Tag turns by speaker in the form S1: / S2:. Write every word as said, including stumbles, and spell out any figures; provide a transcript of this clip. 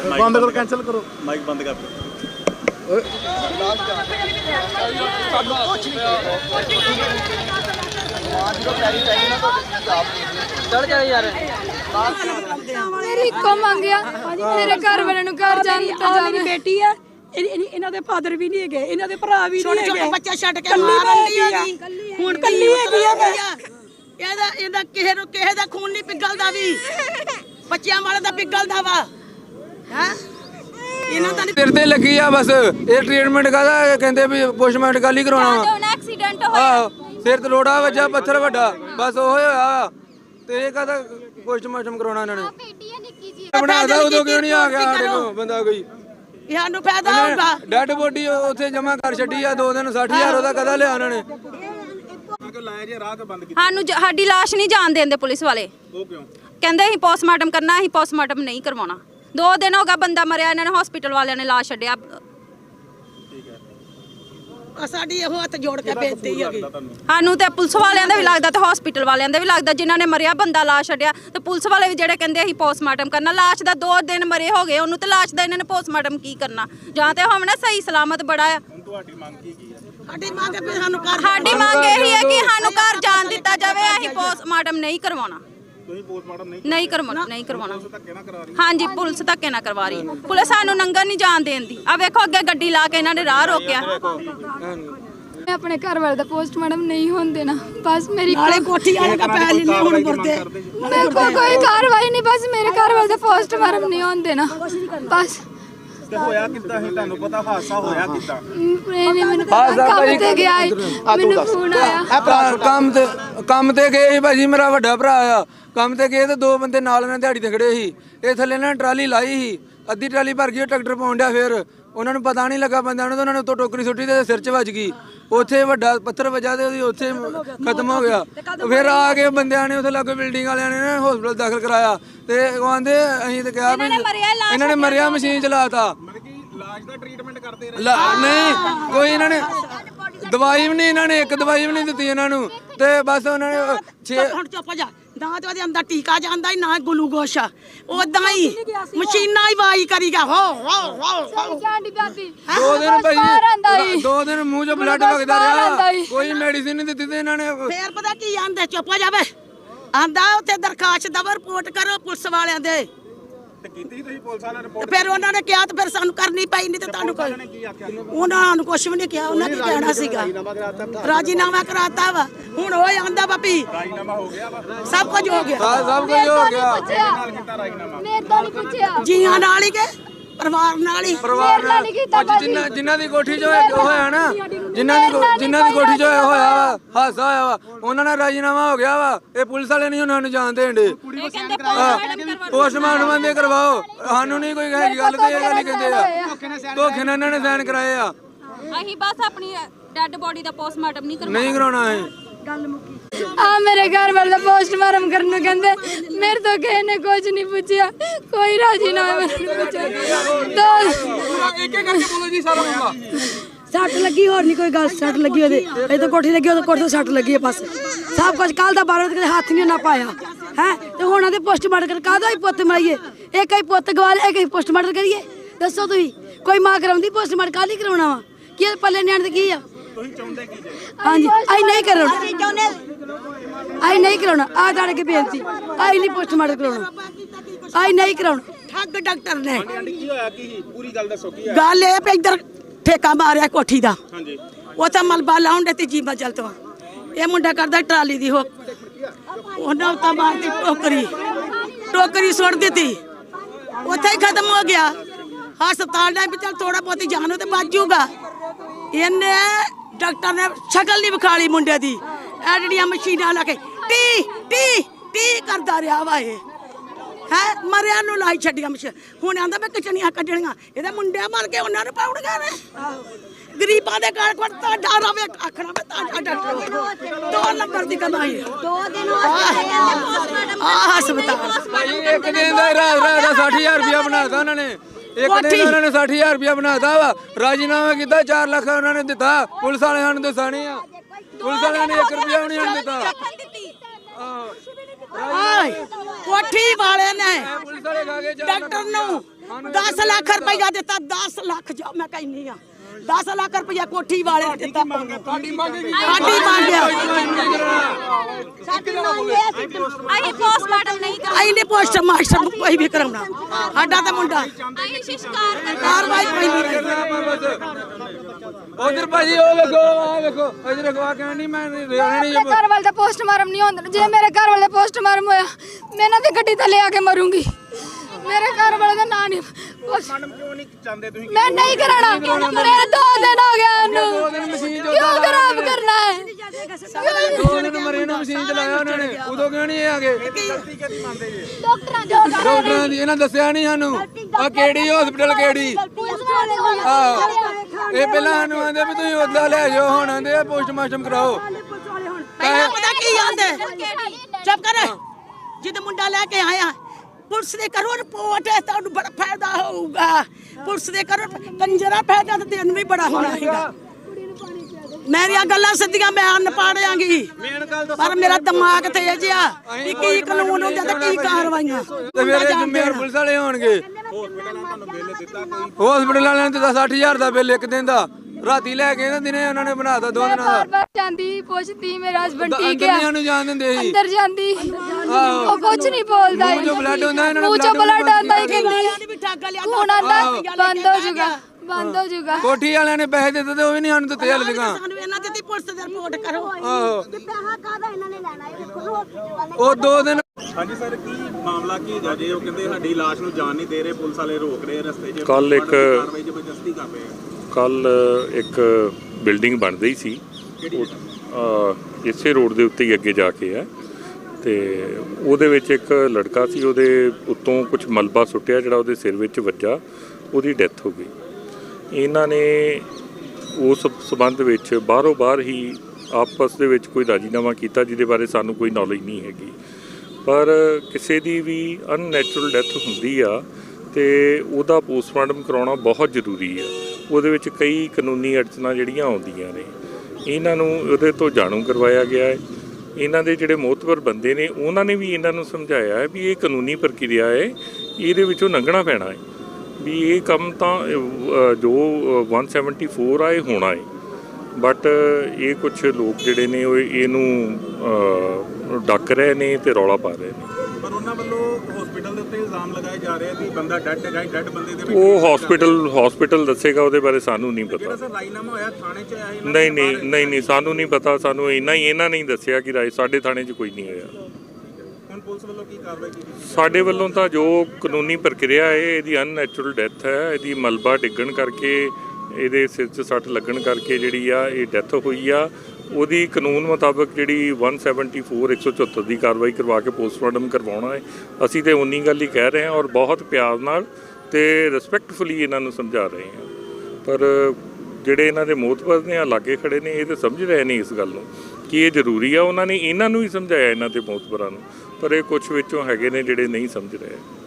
S1: बंद करो, कैंसिल करो,
S2: माइक बंद कर।
S3: मेरी इको मंगया मेरे घर वाले नु घर जान दिता जावे।
S4: बेटी है ਇਹਨਾਂ ਦੇ ਫਾਦਰ ਵੀ ਨਹੀਂ ਹੈਗੇ, ਇਹਨਾਂ ਦੇ ਭਰਾ ਵੀ ਨਹੀਂ ਹੈਗੇ।
S5: ਬੱਚਾ ਛੱਡ ਕੇ ਮਾਰ ਆਉਂਦੀ ਹੈਗੀ,
S4: ਹੁਣ ਕੱਲੀ ਹੈਗੀ ਆ।
S5: ਇਹਦਾ ਇਹਦਾ ਕਿਸੇ ਨੂੰ ਕਿਸੇ ਦਾ ਖੂਨ ਨਹੀਂ ਪਿਘਲਦਾ ਵੀ, ਬੱਚਿਆਂ ਵਾਲੇ ਦਾ ਪਿਘਲਦਾ ਵਾ। ਹੈ ਇਹਨਾਂ ਦਾ
S6: ਸਿਰ ਤੇ ਲੱਗੀ ਆ ਬਸ। ਇਹ ਟ੍ਰੀਟਮੈਂਟ ਕਾਹਦਾ ਕਹਿੰਦੇ ਵੀ ਪੋਸਟਮਾਰਟਮ ਕੱਲ ਹੀ ਕਰਾਉਣਾ ਵਾ।
S3: ਐਕਸੀਡੈਂਟ ਹੋਇਆ,
S6: ਸਿਰ ਤੇ ਲੋੜਾ ਵੱਜਾ, ਪੱਥਰ ਵੱਡਾ, ਬਸ ਉਹ ਹੋਇਆ ਤੇ ਇਹ ਕਾਹਦਾ ਪੋਸਟਮਾਰਟਮ ਕਰਾਉਣਾ ਇਹਨਾਂ ਨੇ।
S3: ਬੇਟੀ ਹੈ ਨਿੱਕੀ ਜੀ।
S6: ਬਣਾਦਾ ਉਦੋਂ ਕਿਉਂ ਨਹੀਂ ਆ ਗਿਆ ਸਾਡੇ ਕੋਲ ਬੰਦਾ ਕੋਈ।
S5: ਸਾਨੂੰ ਫਾਇਦਾ ਹੋਊਗਾ।
S6: ਡੈਡ ਬੋਡੀ ਉੱਥੇ ਜਮਾ ਕਰ ਛੱਡੀ ਆ ਦੋ ਦਿਨ, ਸੱਠ ਹਜ਼ਾਰ ਉਹਦਾ ਕਦਾ ਲਿਆ ਉਹਨਾਂ ਨੇ।
S3: ਸਾਨੂੰ ਸਾਡੀ ਲਾਸ਼ ਨਹੀਂ ਜਾਣ ਦਿੰਦੇ ਪੁਲਿਸ ਵਾਲੇ।
S2: ਉਹ ਕਿਉਂ?
S3: ਕਹਿੰਦੇ ਅਸੀਂ ਪੋਸਟਮਾਰਟਮ ਕਰਨਾ, ਅਸੀਂ ਪੋਸਟਮਾਰਟਮ ਨਹੀਂ ਕਰਵਾਉਣਾ। ਦੋ ਦਿਨ ਹੋ ਗਿਆ ਬੰਦਾ ਮਰਿਆ, ਇਹਨਾਂ ਨੇ ਹਸਪੀਟਲ ਵਾਲਿਆਂ ਨੇ ਲਾਸ਼ ਛੱਡਿਆ।
S5: ਸਾਡੀ ਇਹੋ ਹੱਥ ਜੋੜ ਕੇ ਬੇਨਤੀ ਹੈਗੀ,
S3: ਸਾਨੂੰ ਤੇ ਪੁਲਿਸ ਵਾਲਿਆਂ ਦਾ ਵੀ ਲੱਗਦਾ ਤੇ ਹਸਪੀਟਲ ਵਾਲਿਆਂ ਦਾ ਵੀ ਲੱਗਦਾ, ਜਿਨ੍ਹਾਂ ਨੇ ਮਰਿਆ ਬੰਦਾ ਲਾਸ਼ ਛੱਡਿਆ। ਤੇ ਪੁਲਿਸ ਵਾਲੇ ਵੀ ਜਿਹੜੇ ਕਹਿੰਦੇ ਅਸੀਂ ਪੋਸਟਮਾਰਟਮ ਕਰਨਾ, ਲਾਸ਼ ਦਾ ਦੋ ਦਿਨ ਮਰੇ ਹੋ ਗਏ ਉਹਨੂੰ, ਤੇ ਲਾਸ਼ ਦਾ ਇਹਨਾਂ ਨੇ ਪੋਸਟਮਾਰਟਮ ਕੀ ਕਰਨਾ? ਜਾਂ ਤੇ ਹੋਵਣਾ ਸਹੀ ਸਲਾਮਤ ਬੜਾ ਆ।
S2: ਤੁਹਾਡੀ ਮੰਗ ਕੀ ਕੀ ਹੈ?
S5: ਸਾਡੀ ਮੰਗ ਵੀ ਸਾਨੂੰ ਘਰ
S3: ਸਾਡੀ ਮੰਗ ਇਹੀ ਹੈ ਕਿ ਸਾਨੂੰ ਘਰ ਜਾਣ ਦਿੱਤਾ ਜਾਵੇ, ਅਸੀਂ ਪੋਸਟਮਾਰਟਮ ਨਹੀਂ ਕਰਵਾਉਣਾ।
S2: ਤੁਸੀਂ ਪੋਸਟਮਾਰਟਮ ਨਹੀਂ
S3: ਨਹੀਂ ਕਰਵਾਉਣਾ, ਨਹੀਂ ਕਰਵਾਉਣਾ।
S2: ਧੱਕੇ ਨਾ ਕਰਾ ਰਹੀ?
S3: ਹਾਂਜੀ, ਪੁਲਿਸ ਧੱਕੇ ਨਾ ਕਰਵਾ ਰਹੀ ਹੈ। ਪੁਲਿਸ ਸਾਨੂੰ ਨੰਗਰ ਨਹੀਂ ਜਾਣ ਦੇਂਦੀ। ਆ ਵੇਖੋ ਅੱਗੇ ਗੱਡੀ ਲਾ ਕੇ ਇਹਨਾਂ ਨੇ ਰਾਹ ਰੋਕਿਆ।
S7: मैं अपने घर वाले का पोस्टमार्टम नहीं होने देना, बस मेरी
S5: ਨਾਲੇ ਕੋਠੀ ਵਾਲੇ ਦਾ ਪੈ ਲੈਣੇ ਹੁਣ ਮੁਰਦੇ।
S7: मेरे को कोई कार्रवाई नहीं, बस मेरे घर वाले का पोस्टमार्टम नहीं होने देना बस।
S2: ਤੇ ਹੋਇਆ ਕਿੱਦਾਂ ਸੀ? ਤੁਹਾਨੂੰ ਪਤਾ ਹਾਦਸਾ ਹੋਇਆ ਕਿੱਦਾਂ?
S7: मैंने मैंने काम ते गया मैंने फोन आया
S6: ਕੰਮ ਤੇ ਕੰਮ ਤੇ ਗਏ ਸੀ ਭਾਜੀ, ਮੇਰਾ ਵੱਡਾ ਭਰਾ ਆ। ਕੰਮ ਤੇ ਗਏ ਤੇ ਦੋ ਬੰਦੇ ਨਾਲ ਨੇ ਦਿਹਾੜੀ ਤੇ ਖੜੇ ਸੀ। ਇਹ ਥੱਲੇ ਨਾ ਟਰਾਲੀ ਲਾਈ ਸੀ, ਅੱਧੀ ਟਰਾਲੀ ਭਰ ਗਈ, ਟਰੈਕਟਰ ਪਾਉਣ ਡਿਆ। ਫਿਰ ਉਹਨਾਂ ਨੂੰ ਪਤਾ ਨਹੀਂ ਲੱਗਾ ਬੰਦਿਆਂ ਨੂੰ, ਤੇ ਉਹਨਾਂ ਨੇ ਉੱਤੋਂ ਟੋਕਰੀ ਸੁੱਟੀ ਤੇ ਸਿਰ 'ਚ ਵੱਜ ਗਈ। ਉੱਥੇ ਵੱਡਾ ਪੱਥਰ ਵੱਜਾ ਤੇ ਉਹਦੀ ਉੱਥੇ ਖਤਮ ਹੋ ਗਿਆ। ਫਿਰ ਆ ਕੇ ਬੰਦਿਆਂ ਨੇ ਉੱਥੇ ਲਾਗੇ ਬਿਲਡਿੰਗ ਵਾਲਿਆਂ ਨੇ ਨਾ ਹਸਪਤਾਲ ਦਾਖਲ ਕਰਾਇਆ। ਤੇ ਉਹ ਆਂਦੇ ਅਸੀਂ ਤੇ ਕਿਹਾ ਵੀ ਇਹਨਾਂ ਨੇ ਮਰਿਆ ਮਸ਼ੀਨ ਚਲਾਤਾ।
S2: ਇਲਾਜ ਦਾ ਟ੍ਰੀਟਮੈਂਟ ਕਰਦੇ ਰਹੇ?
S6: ਨਹੀਂ ਕੋਈ ਇਹਨਾਂ ਨੇ ਦਵਾਈ ਵੀ ਨਹੀਂ, ਇਹਨਾਂ ਨੇ ਇੱਕ ਦਵਾਈ ਵੀ ਨਹੀਂ ਦਿੱਤੀ ਇਹਨਾਂ ਨੂੰ। ਤੇ ਬਸ ਉਹਨਾਂ ਨੇ ਛੇ
S5: ਹੁਣ ਚੁੱਪ ਜਾ, ਨਾ ਤੇ ਉਹਦੇ ਅੰਦਰ ਟੀਕਾ ਜਾਂਦਾ ਹੀ ਨਾ ਗਲੂਕੋਸ਼, ਉਦਾਂ ਹੀ ਮਸ਼ੀਨਾਂ ਹੀ ਵਾਈ ਕਰੀ ਗਿਆ। ਹੋ ਹੋ ਹੋ
S6: ਦੋ ਦਿਨ ਭਾਈ, ਦੋ ਦਿਨ ਮੂੰਹ 'ਚ ਬਲੱਡ ਵਗਦਾ ਰਿਹਾ, ਕੋਈ ਮੈਡੀਸਿਨ ਨਹੀਂ ਦਿੱਤੀ ਤੇ ਇਹਨਾਂ ਨੇ।
S5: ਫੇਰ ਪਤਾ ਕੀ ਆਂਦੇ, ਚੁੱਪ ਜਾਵੇ, ਆਂਦਾ ਉੱਥੇ ਦਰਖਾਸਤ ਦਵੋ, ਰਿਪੋਰਟ ਕਰੋ ਪੁਲਿਸ ਵਾਲਿਆਂ ਦੇ।
S2: ਤੇ ਕੀਤੀ ਤੁਸੀਂ ਪੁਲਿਸ ਵਾਲਿਆਂ ਨੇ ਰਿਪੋਰਟ?
S5: ਫਿਰ ਉਹਨਾਂ ਨੇ ਕਿਹਾ ਤੇ ਫਿਰ ਸਾਨੂੰ ਕਰਨੀ ਪਈ, ਨਹੀਂ ਤੇ ਤੁਹਾਨੂੰ ਕੋਈ ਉਹਨਾਂ ਨੂੰ ਕੁਝ ਵੀ ਨਹੀਂ ਕਿਹਾ। ਉਹਨਾਂ ਕੀ ਕਹਿਣਾ ਸੀਗਾ? ਰਾਜੀਨਾਮਾ ਕਰਾਤਾ ਵਾ। ਹੁਣ ਉਹ ਆਂਦਾ ਵਾ ਵੀ
S2: ਰਾਜੀਨਾਮਾ ਹੋ ਗਿਆ ਵਾ?
S5: ਸਭ ਕੁਝ ਹੋ ਗਿਆ,
S6: ਸਭ ਕੁਝ ਹੋ ਗਿਆ।
S7: मेरे तो नहीं पूछया,
S5: ਜੀਆਂ ਨਾਲ ਹੀ ਕੇ ਪਰਿਵਾਰ ਨਾਲ ਹੀ।
S6: ਪਰਿਵਾਰ ਨਾਲ ਅੱਜ ਜਿੰਨਾ ਜਿਨ੍ਹਾਂ ਦੀ ਕੋਠੀ 'ਚ ਹੋਇਆ ਨਾ, ਜਿਨ੍ਹਾਂ ਦੀ ਜਿਨ੍ਹਾਂ ਦੀ ਕੋਠੀ 'ਚ ਹੋਇਆ ਵਾ ਹਾਦਸਾ ਹੋਇਆ ਵਾ, ਉਹਨਾਂ ਨਾਲ ਰਾਜੀਨਾਮਾ ਹੋ ਗਿਆ ਵਾ। ਇਹ ਪੁਲਿਸ ਵਾਲੇ ਨਹੀਂ ਉਹਨਾਂ ਨੂੰ ਜਾਣ ਦੇਣ ਡੇ। ਪੋਸਟਮਾਰਟਮ ਦੇ ਕਰਵਾਓ, ਸਾਨੂੰ ਨਹੀਂ ਕੋਈ ਹੈਗੀ ਗੱਲ। ਤੇ ਇਹ ਗੱਲ ਹੀ ਕਹਿੰਦੇ ਆ ਧੋਖੇ ਨਾਲ ਇਹਨਾਂ ਨੇ ਸਾਈਨ ਕਰਾਏ ਆ।
S3: ਅਸੀਂ ਬਸ ਆਪਣੀ ਡੈੱਡ ਬੋਡੀ ਦਾ ਪੋਸਟਮਾਰਟਮ ਨਹੀਂ ਕਰਵਾਉਣਾ।
S6: ਨਹੀਂ ਕਰਾਉਣਾ ਹੈ।
S7: आ मेरे घर वाले का पोस्टमार्टम करने कहते, मेरे तो किसी ने कुछ नहीं पूछा, कोई राजी ना पूछा। तो
S4: ਸੱਟ ਲੱਗੀ, ਹੋਰ ਨਹੀਂ ਕੋਈ ਗੱਲ। ਸੱਟ ਲੱਗੀ ਉਹਦੇ, ਇਹ ਤਾਂ ਕੋਠੀ ਲੱਗੀ, ਉਹਦੇ ਕੋਠੇ ਤੋਂ ਸੱਟ ਲੱਗੀ ਹੈ ਬਸ। ਸਭ ਕੁਝ ਕੱਲ ਦਾ ਬਾਰਾਂ ਵਜੇ ਹੱਥ ਨਹੀਂ ਨਾ ਪਾਇਆ ਹੈ। ਤੇ ਹੁਣ ਉਹਦੇ ਪੋਸਟਮਾਰਟਮ ਕਰ ਕਾਹਦਾ ਹੀ ਪੁੱਤ ਮਾਈਏ, ਇੱਕ ਹੀ ਪੁੱਤ ਗਵਾ ਲਿਆ, ਇੱਕ ਹੀ ਪੋਸਟਮਾਰਟਮ ਕਰੀਏ। ਦੱਸੋ ਤੁਸੀਂ, ਕੋਈ ਮਾਂ ਕਰਾਉਂਦੀ ਪੋਸਟਮਾਰਟਮ? ਕੱਲ ਹੀ ਕਰਾਉਣਾ ਵਾ ਕੀ? ਪੱਲੇ ਨਿਆਣ ਤੇ ਕੀ ਆ?
S2: ਤੁਸੀਂ ਚਾਹੁੰਦੇ ਕੀ ਜੇ?
S4: ਹਾਂਜੀ ਅਸੀਂ ਨਹੀਂ ਕਰਾਉਣਾ, ਅਸੀਂ ਨਹੀਂ ਕਰਾਉਣਾ। ਆ ਤੁਹਾਡੇ ਅੱਗੇ ਬੇਨਤੀ, ਅਸੀਂ ਨਹੀਂ ਪੋਸਟਮਾਰਟਮ ਕਰਾਉਣਾ, ਅਸੀਂ ਨਹੀਂ ਕਰਾਉਣਾ।
S5: ਠੱਗ ਡਾਕਟਰ ਨੇ।
S2: ਕੀ ਹੋਇਆ ਕੀ ਸੀ? ਪੂਰੀ ਗੱਲ ਦੱਸੋ ਕੀ ਹੋਇਆ?
S5: ਗੱਲ ਇਹ ਵੀ ਇੱਧਰ ਠੇਕਾ ਮਾਰਿਆ ਕੋਠੀ ਦਾ,
S2: ਹਾਂਜੀ।
S5: ਉੱਥੇ ਮਲਬਾ ਲਾਉਣ ਦੇ ਤੀਜੀ ਮੰਜ਼ਲ ਤੋਂ। ਇਹ ਮੁੰਡਾ ਕਰਦਾ ਟਰਾਲੀ ਦੀ ਹੋ, ਉਹਨਾਂ ਉੱਤਾ ਮਾਰਦੀ ਟੋਕਰੀ, ਟੋਕਰੀ ਸੁੱਟ ਦਿੱਤੀ, ਉੱਥੇ ਹੀ ਖਤਮ ਹੋ ਗਿਆ। ਹਸਪਤਾਲ ਦਾ ਵੀ ਚੱਲ ਥੋੜਾ ਬਹੁਤੀ ਜਾਨ ਤੇ ਬਚ ਜਾਊਗਾ। ਇਹਨੇ ਡਾਕਟਰ ਨੇ ਸ਼ਕਲ ਨਹੀਂ ਵਿਖਾਲੀ ਮੁੰਡੇ ਦੀ। ਇਹ ਜਿਹੜੀਆਂ ਮਸ਼ੀਨਾਂ ਲਾ ਕੇ ਟੀ ਟੀ ਟੀ ਕਰਦਾ ਰਿਹਾ ਵਾ ਇਹ ਹੈ। ਮਰਿਆ ਨੂੰ ਲਾਈ ਛੱਡੀਆਂ ਮਸ਼ੀਨ। ਹੁਣ ਆਂਦਾ ਮੈਂ ਕਿਚਣੀਆਂ ਕੱਢਣੀਆਂ, ਇਹਦੇ ਮੁੰਡੇ ਮਰ ਕੇ ਉਹਨਾਂ ਨੂੰ ਪਾਉਣਗੇ ਨੇ। ਗਰੀਬਾਂ ਦੇ ਘਰ ਕੋਲ ਤਾਂ ਡਰ ਆਵੇ, ਆਖਣਾ ਮੈਂ ਤਾਂ ਡਾਕਟਰ ਦੋ ਨੰਬਰ ਦੀ ਕਮਾਈ। ਦੋ ਦਿਨ ਆ ਹਸਪਤਾਲ
S6: ਇੱਕ ਦਿਨ ਦਾ ਰਾਤ ਰਾਤ ਦਾ ਸੱਠ ਹਜ਼ਾਰ ਰੁਪਇਆ ਬਣਾਤਾ ਉਹਨਾਂ ਨੇ। ਇੱਕ ਦਿਨ ਦਾ ਉਹਨਾਂ ਨੇ ਸੱਠ ਹਜ਼ਾਰ ਰੁਪਇਆ ਬਣਾਤਾ ਵਾ। ਰਾਜੀਨਾਮਾ ਕੀਤਾ, ਚਾਰ ਲੱਖ ਉਹਨਾਂ ਨੇ ਦਿੱਤਾ। ਪੁਲਿਸ ਵਾਲਿਆਂ ਸਾਨੂੰ ਦੱਸਣਾ ਨਹੀਂ ਆ, ਪੁਲਿਸ ਵਾਲਿਆਂ ਨੇ ਇੱਕ ਰੁਪਇਆ ਵੀ ਨਹੀਂ ਦਿੱਤਾ।
S5: ਕੋਠੀ ਵਾਲੇ ਨੇ
S6: ਪੁਲਿਸ ਵਾਲੇ ਖਾ ਕੇ
S5: ਡਾਕਟਰ ਨੂੰ दस लाख रुपया दिता दस लाख जो मैं कहनी हाँ दस लाख रुपया कोठी वाले ने दिता साडी मांगिया
S3: ਅਸੀਂ ਪੋਸਟਮਾਰਟਮ ਨਹੀਂ ਕਰ
S5: आई ने पोस्ट मास्टर कोई भी कराना साडा ते मुंडा
S3: ਅਸੀਂ ਸ਼ਿਕਾਰ ਕਰ
S5: कार्रवाई कोई नहीं
S6: ਉਧਰ ਭਾਜੀ ਉਹ ਵੇਖੋ ਆ ਵੇਖੋ ਇਧਰ ਰਖਵਾ ਕੇ ਨਹੀਂ ਮੈਂ ਰਹਿਣਾ ਨਹੀਂ
S7: ਮੇਰੇ ਘਰ ਵਾਲੇ ਦਾ ਪੋਸਟਮਾਰਟਮ ਨਹੀਂ ਹੁੰਦਾ ਜੇ ਮੇਰੇ ਘਰ ਵਾਲੇ ਦਾ ਪੋਸਟਮਾਰਟਮ ਹੋਇਆ ਮੈਂ ਇਹਨਾਂ ਦੀ ਗੱਡੀ ਥੱਲੇ ਆ ਕੇ ਮਰੂੰਗੀ ਮੇਰੇ ਘਰ ਵਾਲੇ ਦਾ ਨਾਂ ਨਹੀਂ
S2: ਮੈਡਮ ਕਿਉਂ ਨਹੀਂ ਚਾਹੁੰਦੇ ਤੁਸੀਂ
S7: ਮੈਂ ਨਹੀਂ ਕਰਾਣਾ ਮੇਰੇ ਦੋ ਦਿਨ ਹੋ ਗਏ ਉਹਨੂੰ
S6: ਮਸ਼ੀਨ
S7: ਕਿਉਂ ਖਰਾਬ ਕਰਨਾ ਹੈ
S6: ਦੋ ਦਿਨ ਮਰੇ ਨੂੰ ਮਸ਼ੀਨ ਚਲਾਇਆ ਉਹਨਾਂ ਨੇ ਉਦੋਂ ਕਿਉਂ ਨਹੀਂ ਇਹ ਆ ਗਏ
S2: ਗਲਤੀ ਕਿਹਦੀ ਮੰਨਦੇ ਜੀ
S7: ਡਾਕਟਰਾਂ ਜੋ
S6: ਡਾਕਟਰਾਂ ਦੀ ਇਹਨਾਂ ਦੱਸਿਆ ਨਹੀਂ ਸਾਨੂੰ ਆ ਕਿਹੜੀ ਹਸਪੀਟਲ ਕਿਹੜੀ ਆਹ ਇਹ ਪਹਿਲਾਂ ਸਾਨੂੰ ਆਂਦੇ ਵੀ ਤੁਸੀਂ ਉਦਾਂ ਲੈ ਜਾਓ ਹੁਣ ਆਂਦੇ ਪੋਸਟਮਾਰਟਮ ਕਰਾਓ
S5: ਪਹਿਲਾਂ ਪਤਾ ਕੀ ਆਂਦੇ ਚੁੱਪ ਕਰ ਜਦ ਮੁੰਡਾ ਲੈ ਕੇ ਆਇਆ ਪੁਲਿਸ ਦੇ ਕਰੋ ਰਿਪੋਰਟ ਤੁਹਾਨੂੰ ਬੜਾ ਫਾਇਦਾ ਹੋਊਗਾ ਪੁਲਿਸ ਦੇ ਕਰੋ ਕੰਜਰਾ ਫਾਇਦਾ ਤਾਂ ਤੈਨੂੰ ਵੀ ਬੜਾ ਹੋਣਾ ਹੈਗਾ ਮੇਰੀਆਂ ਗੱਲਾਂ ਸਿੱਧੀਆਂ ਮੈਂ ਅੰਨ ਪਾੜਾਂਗੀ ਪਰ ਮੇਰਾ ਦਿਮਾਗ ਤੇਜ਼ ਆ ਵੀ ਕੀ ਕਾਨੂੰਨ ਹੁੰਦਾ ਤੇ ਕੀ ਕਾਰਵਾਈਆਂ
S6: ਤੇ ਫਿਰ ਇਹ ਜ਼ਿੰਮੇਵਾਰ ਪੁਲਿਸ ਵਾਲੇ ਹੋਣਗੇ ਹਸਪੀਟਲ ਵਾਲਿਆਂ ਨੇ ਦਿੱਤਾ ਸੱਠ ਹਜ਼ਾਰ ਦਾ ਬਿੱਲ ਇੱਕ ਦਿਨ ਦਾ ਰਾਤੀ ਲੈ ਕੇ ਇਹਨਾਂ ਦਿਨੇ ਉਹਨਾਂ ਨੇ ਬਣਾਤਾ ਦੋ ਦਿਨਾਂ ਦਾ
S7: ਬਾਰ ਜਾਂਦੀ ਪੁੱਛਦੀ ਮੇਰਾ ਹਸਬੰਡ ਠੀਕ
S6: ਅੰਦਰ
S7: ਹੈ
S6: ਨਹੀਂ ਉਹਨੂੰ ਜਾਣ ਦਿੰਦੇ ਸੀ
S7: ਅੰਦਰ ਜਾਂਦੀ ਉਹ ਕੁਝ ਨਹੀਂ ਬੋਲਦਾ
S6: ਮੂੰਹ ਚੋਂ blood ਹੁੰਦਾ, ਇਹਨਾਂ ਨੇ
S7: ਮੂੰਹ ਚੋਂ
S6: blood
S7: ਬਲੱਡ ਆਉਂਦਾ ਹੀ
S5: ਨਹੀਂ ਵੀ ਠੱਗ ਲਿਆ
S7: ਕਹਿੰਦੀ ਹੁਣ ਆਂਦਾ ਬੰਦ ਹੋ ਜਾਊਗਾ ਬੰਦ ਹੋ ਜਾਊਗਾ
S6: ਕੋਠੀ ਵਾਲਿਆਂ ਨੇ ਪੈਸੇ ਦਿੱਤੇ ਤੇ ਉਹ ਵੀ ਨਹੀਂ ਸਾਨੂੰ ਦਿੱਤੇ ਹਲੇ ਤੱਕ
S5: ਸਾਨੂੰ ਇਹਨਾਂ ਦੀ ਪੁਲਿਸ ਦੀ ਰਿਪੋਰਟ ਕਰੋ
S6: ਆਹੋ
S1: ਪੈਸਾ ਕਾਹਦਾ ਇਹਨਾਂ ਨੇ ਲੈਣਾ ਹੈ ਦੇਖੋ ਹਸਪੀਟਲ ਵਾਲੇ
S6: ਉਹ ਦੋ ਦਿਨ
S2: ਹਾਂਜੀ ਸਰ ਕੀ ਮਾਮਲਾ ਕੀ ਹੈਗਾ ਜੀ ਉਹ ਕਹਿੰਦੇ ਸਾਡੀ ਲਾਸ਼ ਨੂੰ ਜਾਣ ਨਹੀਂ ਦੇ ਰਹੇ ਪੁਲਿਸ ਵਾਲੇ ਰੋਕ ਰਹੇ ਰਸਤੇ 'ਚ
S8: ਕੱਲ੍ਹ ਇੱਕ-
S2: ਕਾਰਵਾਈ ਜ਼ਬਰਦਸਤੀ ਕਰ ਰਹੇ ਆ
S8: ਕੱਲ ਇੱਕ ਬਿਲਡਿੰਗ ਬਣ ਰਹੀ ਸੀ ਅਹ ਇਸੇ ਰੋਡ ਦੇ ਉੱਤੇ ਹੀ ਅੱਗੇ ਜਾ ਕੇ ਹੈ ਤੇ ਉਹਦੇ ਵਿੱਚ ਇੱਕ ਲੜਕਾ ਸੀ ਉਹਦੇ ਉੱਤੋਂ ਕੁਝ ਮਲਬਾ ਸੁੱਟਿਆ ਜਿਹੜਾ ਉਹਦੇ ਸਿਰ ਵਿੱਚ ਵੱਜਾ ਉਹਦੀ ਡੈਥ ਹੋ ਗਈ ਇਹਨਾਂ ਨੇ ਉਸ ਸਬੰਧ ਵਿੱਚ ਬਾਹਰੋਂ ਬਾਹਰ ਹੀ ਆਪਸ ਦੇ ਵਿੱਚ ਕੋਈ ਰਾਜੀਨਾਮਾ ਕੀਤਾ ਜਿਹਦੇ ਬਾਰੇ ਸਾਨੂੰ ਕੋਈ ਨੌਲੇਜ ਨਹੀਂ ਹੈਗੀ ਪਰ ਕਿਸੇ ਦੀ ਵੀ ਅਨਨੈਚੁਰਲ ਡੈਥ ਹੁੰਦੀ ਆ ਤੇ ਉਹਦਾ ਪੋਸਟਮਾਰਟਮ ਕਰਾਉਣਾ ਬਹੁਤ ਜ਼ਰੂਰੀ ਆ ਉਹਦੇ ਵਿੱਚ ਕਈ ਕਾਨੂੰਨੀ ਅੜਚਨਾਂ ਜਿਹੜੀਆਂ ਆਉਂਦੀਆਂ ਨੇ ਇਹਨਾਂ ਨੂੰ ਉਹਦੇ ਤੋਂ ਜਾਣੂ ਕਰਵਾਇਆ ਗਿਆ ਹੈ ਇਹਨਾਂ ਦੇ ਜਿਹੜੇ ਮੋਹਤਬਰ ਬੰਦੇ ਨੇ ਉਹਨਾਂ ਨੇ ਵੀ ਇਹਨਾਂ ਨੂੰ ਸਮਝਾਇਆ ਹੈ ਵੀ ਇਹ ਕਾਨੂੰਨੀ ਪ੍ਰਕਿਰਿਆ ਹੈ ਇਹਦੇ ਵਿੱਚੋਂ ਲੰਘਣਾ ਪੈਣਾ ਹੈ ਵੀ ਇਹ ਕੰਮ ਤਾਂ ਜੋ ਇੱਕ ਸੌ ਚੌਹੱਤਰ ਆ ਇਹ ਹੋਣਾ ਹੈ ਬਟ ਇਹ ਕੁਝ ਲੋਕ ਜਿਹੜੇ ਨੇ ਉਹ ਇਹਨੂੰ ਡੱਕ ਰਹੇ ਨੇ ਤੇ ਰੌਲਾ ਪਾ ਰਹੇ ਨੇ
S2: ਪਰ ਉਹਨਾਂ ਵੱਲੋਂ ਹਸਪੀਟਲ ਦੇ ਉੱਤੇ ਇਲਜ਼ਾਮ ਲਗਾਏ ਜਾ ਰਹੇ ਆ ਕਿ ਬੰਦਾ ਡੈਡ ਹੈਗਾ ਡੈਡ ਬੰਦੇ ਦੇ
S8: ਉਹ ਹਸਪੀਟਲ ਹਸਪੀਟਲ ਦੱਸੇਗਾ ਉਹਦੇ ਬਾਰੇ ਸਾਨੂੰ ਨਹੀਂ ਪਤਾ
S2: ਜਿਹੜਾ ਸਰ ਰਾਜੀਨਾਮਾ ਹੋਇਆ ਥਾਣੇ 'ਚ ਆਇਆ ਇਹਨਾਂ
S8: ਨਹੀਂ ਨਹੀਂ ਨਹੀਂ ਨਹੀਂ ਸਾਨੂੰ ਨਹੀਂ ਪਤਾ ਸਾਨੂੰ ਇੰਨਾ ਹੀ ਇਹਨਾਂ ਨੇ ਹੀ ਦੱਸਿਆ ਕਿ ਰਾਏ ਸਾਡੇ ਥਾਣੇ 'ਚ ਕੋਈ ਨਹੀਂ ਹੋਇਆ
S2: ਹੁਣ ਪੁਲਿਸ ਵੱਲੋਂ ਕੀ ਕਾਰਵਾਈ ਕੀਤੀ
S8: ਸਾਡੇ ਵੱਲੋਂ ਤਾਂ ਜੋ ਕਾਨੂੰਨੀ ਪ੍ਰਕਿਰਿਆ ਹੈ ਇਹਦੀ ਅਨਨੈਚੁਰਲ ਡੈਥ ਹੈ ਇਹਦੀ ਮਲਬਾ ਡਿੱਗਣ ਕਰਕੇ ਇਹਦੇ ਸਿਰ 'ਚ ਸੱਟ ਲੱਗਣ ਕਰਕੇ ਜਿਹੜੀ ਆ ਇਹ ਡੈਥ ਹੋਈ ਆ ਉਹਦੀ ਕਾਨੂੰਨ ਮੁਤਾਬਕ ਜਿਹੜੀ ਇੱਕ ਸੌ ਚੌਹੱਤਰ ਇੱਕ ਸੌ ਚੁਹੱਤਰ ਦੀ ਕਾਰਵਾਈ ਕਰਵਾ ਕੇ ਪੋਸਟਮਾਰਟਮ ਕਰਵਾਉਣਾ ਹੈ ਅਸੀਂ ਤੇ ਉਨੀ ਗੱਲ ਹੀ ਕਹਿ ਰਹੇ ਹਾਂ ਔਰ ਬਹੁਤ ਪਿਆਰ ਨਾਲ ਤੇ ਰਿਸਪੈਕਟਫੁਲੀ ਇਹਨਾਂ ਨੂੰ ਸਮਝਾ ਰਹੇ ਹਾਂ ਪਰ ਜਿਹੜੇ ਇਹਨਾਂ ਦੇ ਮੋਹਤਬਰ ਨੇ ਆ ਲਾਗੇ ਖੜੇ ਨੇ ਇਹ ਤਾਂ ਸਮਝ ਰਹੇ ਨੇ ਇਸ ਗੱਲ ਨੂੰ ਕਿ ਇਹ ਜ਼ਰੂਰੀ ਆ ਉਹਨਾਂ ਨੇ ਇਹਨਾਂ ਨੂੰ ਹੀ ਸਮਝਾਇਆ ਇਹਨਾਂ ਦੇ ਮੋਹਤਬਰਾਂ ਨੂੰ ਪਰ ਇਹ ਕੁਝ ਵਿੱਚੋਂ ਹੈਗੇ ਨੇ ਜਿਹੜੇ ਨਹੀਂ ਸਮਝ ਰਹੇ